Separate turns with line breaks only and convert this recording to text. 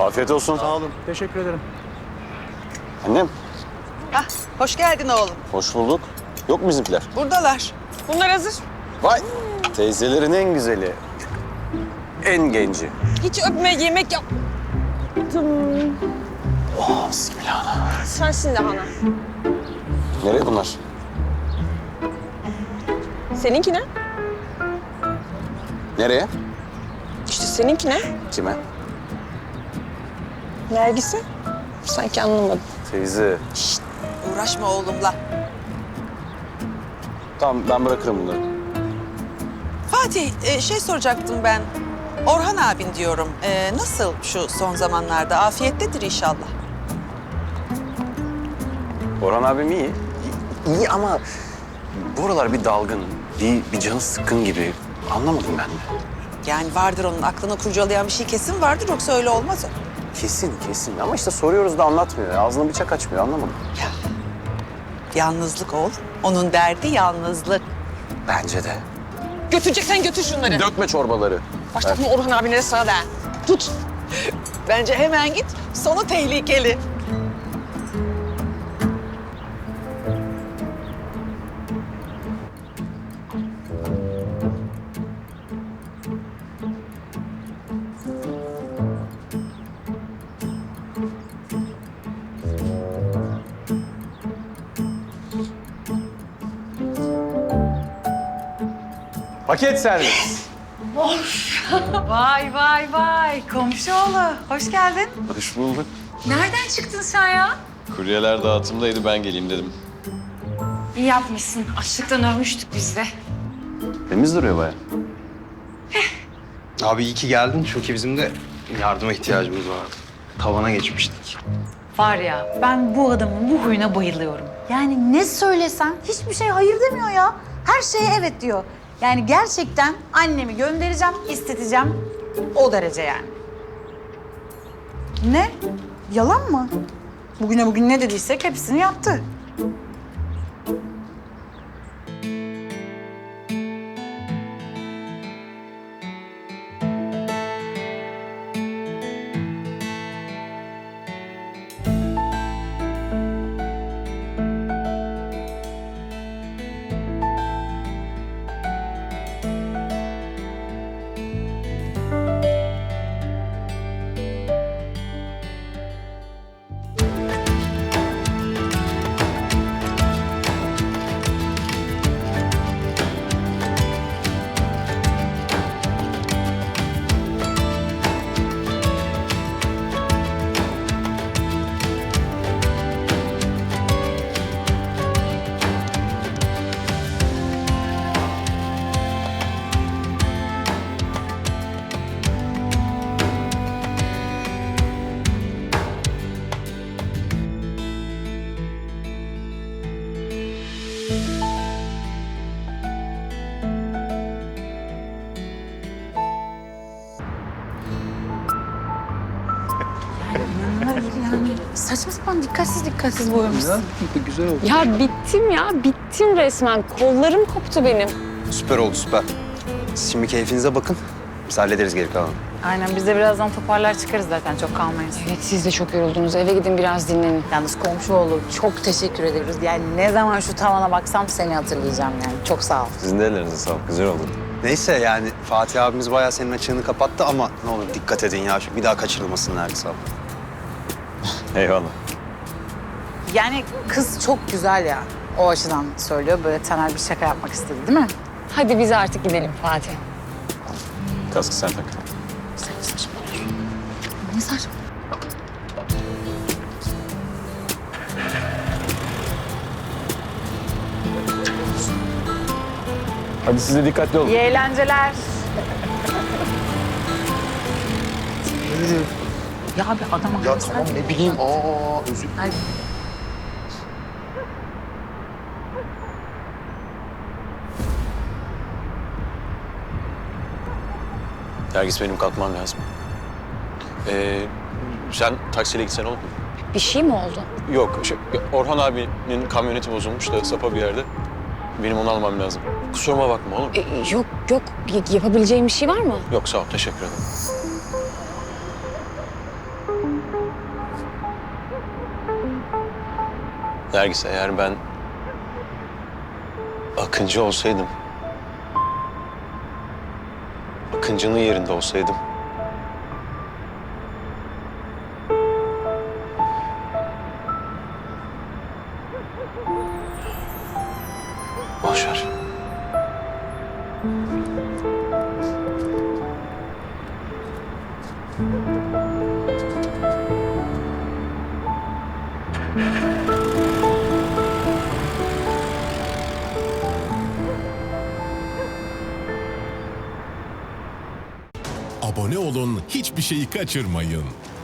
Afiyet olsun.
Sağ olun. Teşekkür ederim.
Annem,
Hah, hoş geldin oğlum.
hoş bulduk. Yok mu bizimkiler?
Buradalar.
Bunlar hazır.
Vay! Teyzelerin en güzeli. En genci.
Hiç öpme, yemek yap.
Oh, bismillah.
Sen şimdi Hana.
Nereye bunlar?
Seninki ne?
Nereye?
İşte seninki ne?
Kime?
Nergis'e. Sanki anlamadım.
Teyze.
Uğraşma oğlumla.
Tamam, ben bırakırım bunları.
Fatih, şey soracaktım ben. Orhan abin diyorum. Nasıl şu son zamanlarda? Afiyettedir inşallah.
Orhan abim iyi. İyi ama bu aralar bir dalgın, bir canı sıkkın gibi. Anlamadım ben de.
Yani vardır onun aklını kurcalayan bir şey kesin vardır. Yoksa öyle olmaz o.
Kesin. Ama işte soruyoruz da anlatmıyor. Ağzını bıçak açmıyor, anlamadım.
Ya. Yalnızlık oğlum. Onun derdi yalnızlık.
Bence de.
Götüreceksen götür şunları.
Dökme çorbaları.
Başlatma Orhan abine de sana da. Tut.
Bence hemen git. Sonu tehlikeli.
Paket servis.
Vay. Komşuoğlu, hoş geldin.
Hoş bulduk.
Nereden çıktın sen ya?
Kuryeler dağıtımdaydı, ben geleyim dedim.
İyi yapmışsın. Açlıktan ölmüştük biz de.
Temiz duruyor bayağı.
Abi iyi ki geldin çünkü bizim de yardıma ihtiyacımız vardı. Tavana geçmiştik.
Var ya, ben bu adamın bu huyuna bayılıyorum.
Yani ne söylesem hiçbir şey hayır demiyor ya. Her şeye evet diyor. Yani gerçekten annemi göndereceğim, isteteceğim. O derece yani. Ne? Yalan mı? Bugüne bugün ne dediysek hepsini yaptı. Yani saçma sapan dikkatsiz boyamışsın.
Güzel oldu.
Ya bittim resmen. Kollarım koptu benim.
Süper oldu, süper. Siz şimdi keyfinize bakın. Biz hallederiz geri kalanı.
Aynen, biz de birazdan toparlar çıkarız zaten. Çok kalmayız.
Evet, siz de çok yoruldunuz. Eve gidin biraz dinlenin.
Yalnız komşuoğlu çok teşekkür ederiz. Yani ne zaman şu tavana baksam seni hatırlayacağım yani. Çok sağ ol.
Sizin de ellerinize sağlık. Güzel oldu.
Neyse yani Fatih abimiz bayağı senin açığını kapattı ama ne olur dikkat edin ya. Bir daha kaçırılmasın Nergis abla.
Eyvallah.
Yani kız çok güzel ya. O açıdan söylüyor. Böyle Taner bir şaka yapmak istedi değil mi?
Hadi biz artık gidelim Fatih.
Kaskı sen tak.
Ne saçma.
Hadi siz de dikkatli olun.
İyi eğlenceler.
Ya bir adama...
Ya tamam ne bileyim. Özür
Ay,
Nergis, benim kalkmam lazım. Sen taksiyle gitsen olur mu?
Bir şey mi oldu?
Yok, Orhan abinin kamyoneti bozulmuş da sapa bir yerde. Benim onu almam lazım. Kusuruma bakma olur mu?
Yok. Yapabileceğim bir şey var mı?
Yok, sağ ol. Teşekkür ederim. Nergis, eğer ben Akıncı olsaydım, Akıncı'nın yerinde olsaydım, boş ver.
Abone olun, hiçbir şeyi kaçırmayın.